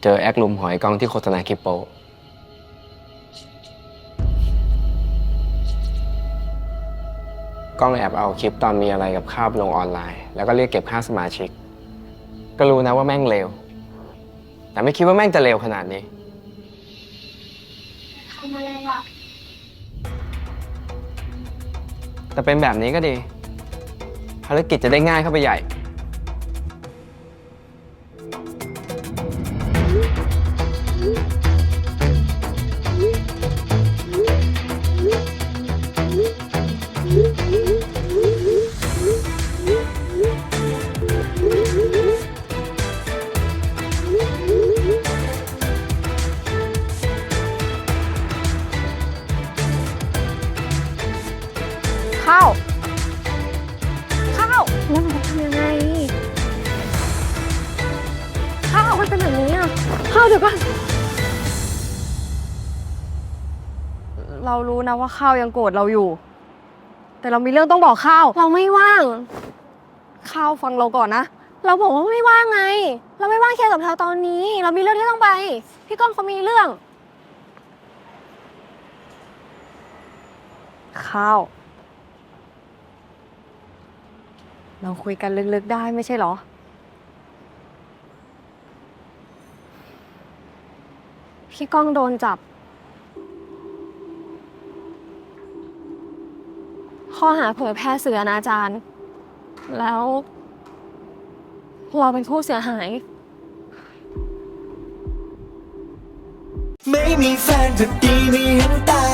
เจอแอคลุมหอยกล้องที่โฆษณาคลิปโปกล้องแอบเอาคลิปตอนมีอะไรกับข้าวไปลงออนไลน์แล้วก็เรียกเก็บค่าสมาชิกก็รู้นะว่าแม่งเลวแต่ไม่คิดว่าแม่งจะเลวขนาดนี้ทำอะไรอ่ะแต่เป็นแบบนี้ก็ดีภารกิจจะได้ง่ายเข้าไปใหญ่ข้าวแล้วเราจะทำยังไงข้าวมันเป็นแบบนี้อ่ะข้าวเดี๋ยวก่อนเรารู้นะว่าข้าวยังโกรธเราอยู่แต่เรามีเรื่องต้องบอกข้าวเราไม่ว่างข้าวฟังเราก่อนนะเราบอกว่าไม่ว่างไงเราไม่ว่างแค่กับเธอตอนนี้เรามีเรื่องที่ต้องไปพี่ก้องเขามีเรื่องข้าวเราคุยกันลึกๆได้ไม่ใช่เหรอพี่ก้องโดนจับข้อหาเผยแพร่สื่ออนาจารแล้วเราเป็นผู้เสียหายไม่มีแฟนก็ดีไม่เห็นตาย